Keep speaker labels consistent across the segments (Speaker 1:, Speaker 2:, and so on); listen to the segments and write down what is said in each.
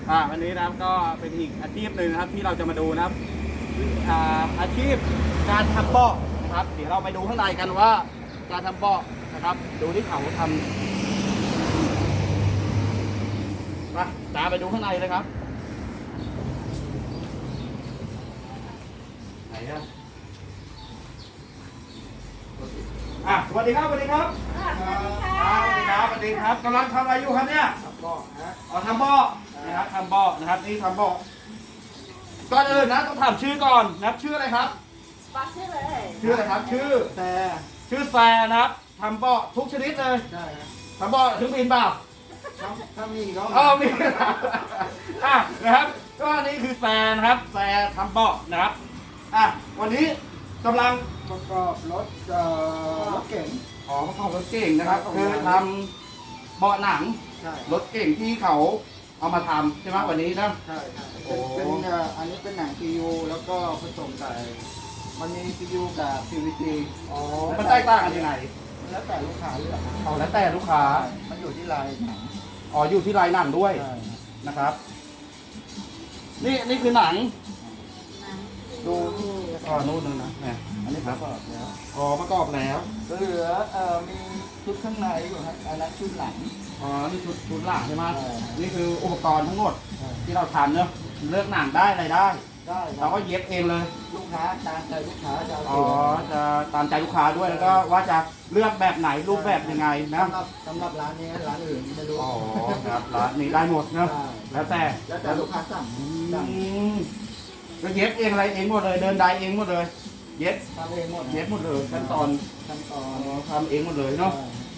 Speaker 1: วันนี้นะครับก็เป็นอีกอาชีพหนึ่งนะครับที่เราจะมาดูนะครับอาชีพการทำเบาะนะครับเดี๋ยวเราไปดูข้างในกันว่าการทำเบาะนะครับดูที่เขาทำมาตามไปดูข้างในเลยครับไหนอะสวัสดีครับสวัสดีครับสวัสดีครับสวัสดีครับกำลังทำอะไรอยู่ครับเนี่ยทำเบาะนะทำเบาะนะครับทำเบาะนะครับนี่ทำเบาะก่อนอื่นนะต้องถามชื่อก่อนนะครับชื่ออะไรครับ
Speaker 2: บอกชื่อเลย
Speaker 1: ชื่ออะไรครับชื่อแซนะครับทำเบาะทุกชนิดเลย
Speaker 3: ใช่ครับ
Speaker 1: ทำเบาะถึงบินเปล่า
Speaker 3: ถ้ามีก็
Speaker 1: มีนะครับก็นี่คือแซนะครับแซทำเบาะนะครับวันนี้กำลัง
Speaker 3: ประกอบรถเก๋ง
Speaker 1: ประกอบรถเก่งนะครับคือทำเบาะหนังรถเก่งที่เขาเอามาทำใช่ไหมวันนี้นะ
Speaker 3: ใช่เป็นอันนี้เป็นหนัง PU แล้วก็ผสมกับมันมี PU กับ PVC
Speaker 1: มันแตกต่างกันยังไง
Speaker 3: แล้วแต่ลูกค้าเลือก
Speaker 1: แล้วแต่ลูกค้า
Speaker 3: มันอยู่ที่ลายหนัง
Speaker 1: อยู่ที่ลายหนังด้วยนะครับนี่คือหนังดูนู่นนึงนะเนี่ย
Speaker 3: อันนี้ประกอบแล้ว
Speaker 1: ประกอบแล้ว
Speaker 3: เหลือมีชุดข้างในอยู่ครับอันนั้นชุดหลัง
Speaker 1: นี่ชุดหลังใช่ไหมนี่คืออุปกรณ์ทั้งหมดที่เราทำเนอะเลือกหนังได้อะไรได้เราก็เย็บเองเลย
Speaker 3: ลูกค้าตามใจลูกค้าจะ
Speaker 1: จะตามใจลูกค้าด้วยแล้วก็ว่าจะเลือกแบบไหนรูปแบบยังไงนะ
Speaker 3: สำหรับร้านนี้ร้านอื่นไม่รู้
Speaker 1: ครับร้านนี้ได้หมดเนอะแล้วแต่
Speaker 3: ลูกค้าสั่ง
Speaker 1: ก็เย็บเองอะไรเองหมดเลยเดินได้เองหมดเลยเย็บ
Speaker 3: ทำเองหมด
Speaker 1: เย็บหมดเลยขั้นตอนทำเองหมดเลยเนาะ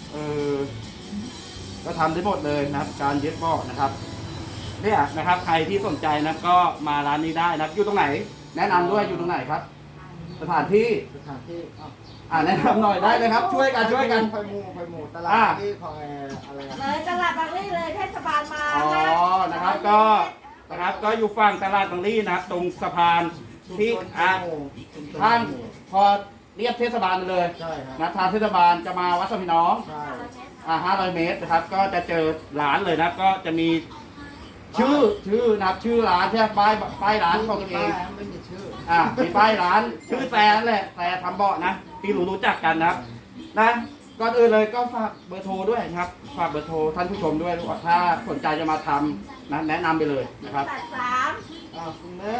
Speaker 1: ก็ทำได้หมดเลยนะครับการเย็บเบาะนะครับเนี่ยนะครับใครที่สนใจนะก็มาร้านนี้ได้นะอยู่ตรงไหนแนะนำด้วยอยู่ตรงไหนครับสถานที่แนะนำหน่อยได้เลยครับช่วยกัน
Speaker 3: ไฟหมู่ตลาดที่คอยอะไร
Speaker 2: เลยตลาดบางลี่เลยเทศบาลมา
Speaker 1: นะครับก็อยู่ฝั่งตลาดบางลี่นะครับตรงสะพานที่ทางพอเรียบเทศบาลเลยนะทางเทศบาลจะมาวัดสมิน้อง500 เมตรนะครับก็จะเจอร้านเลยนะก็จะมีชื่อนะครับชื่อร้านใช่ป้ายร้านของตัวเอง
Speaker 3: ไม่มีชื่อ
Speaker 1: มีป้ายร้านชื่อแซนแหละแซนทำเบาะนะที่รู้จักกันนะครับนะก่อนอื่นเลยก็ฝากเบอร์โทรด้วยนะครับฝากเบอร์โทรท่านผู้ชมด้วยถ้าสนใจจะมาทำนะแนะนำไปเลยนะครับ
Speaker 3: คุณแม่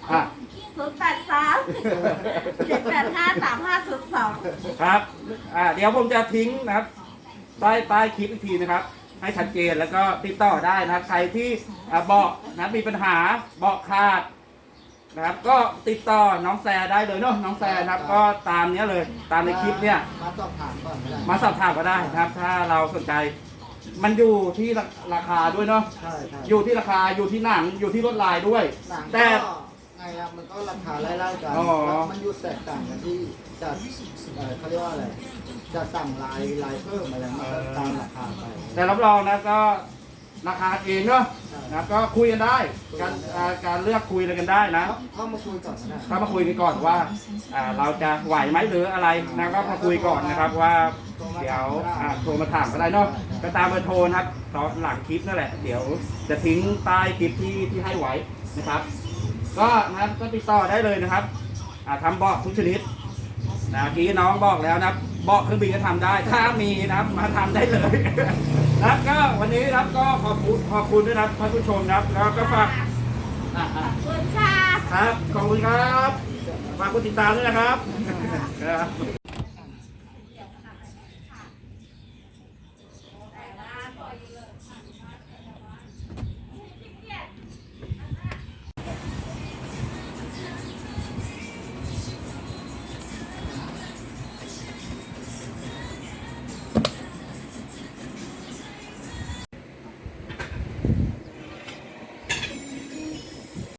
Speaker 2: 083-785-3502
Speaker 1: ครับเดี๋ยวผมจะทิ้งนะครับใต้คลิปอีกทีนะครับให้ชัดเจนแล้วก็ติดต่อได้นะครับใครที่เบาะนะมีปัญหาเบาะขาดนะครับก็ติดต่อน้องแซได้เลยเนาะน้องแซนะครับก็ตามนี้เลยตามในคลิปเนี่ย
Speaker 3: มาสอบถามก่อน
Speaker 1: มาสอบถามก็ได้นะครับถ้าเราสนใจมันอยู่ที่ราคาด้วยเนาะอยู่ที่ราคาอยู่ที่หนังอยู่ที่ลวดลายด้วยแต่
Speaker 3: ไงครับมันก็ราคาไล่ๆกันมันอยู่แตกต่างกันที่จะเขาเรียกว่าอะไรจะสั่งลายเพิ่มอะไรมาตามราคาไป
Speaker 1: แต่รับรองนะก็ราคาเองเนาะนะก็คุยกันได้การเลือกคุยอะไรกันได้นะ
Speaker 3: เข้ามาคุยก่อน
Speaker 1: เข้ามาคุยกันก่อนว่าเราจะไหวไหมหรืออะไรนะก็มาคุยก่อนนะครับว่าเดี๋ยวโทรมาถามก็ได้เนาะก็ตามเบอร์โทรนะครับตอนหลังคลิปนั่นแหละเดี๋ยวจะทิ้งใต้คลิปที่ให้ไว้นะครับก็นะครับก็ติดต่อได้เลยนะครับทำเบาะทุกชนิดนะกี้น้องบอกแล้วนะเบาะเครื่องบินก็ทำได้ถ้ามีนะครับมาทำได้เลยนะครับก็วันนี้นะครับก็ขอบคุณด้วยนะครับท่านผู้ชมนะครับแล้วก็ฝาก
Speaker 2: คุณค่ะ
Speaker 1: ครับขอบคุณครับฝากกดติดตามด้วยนะครับ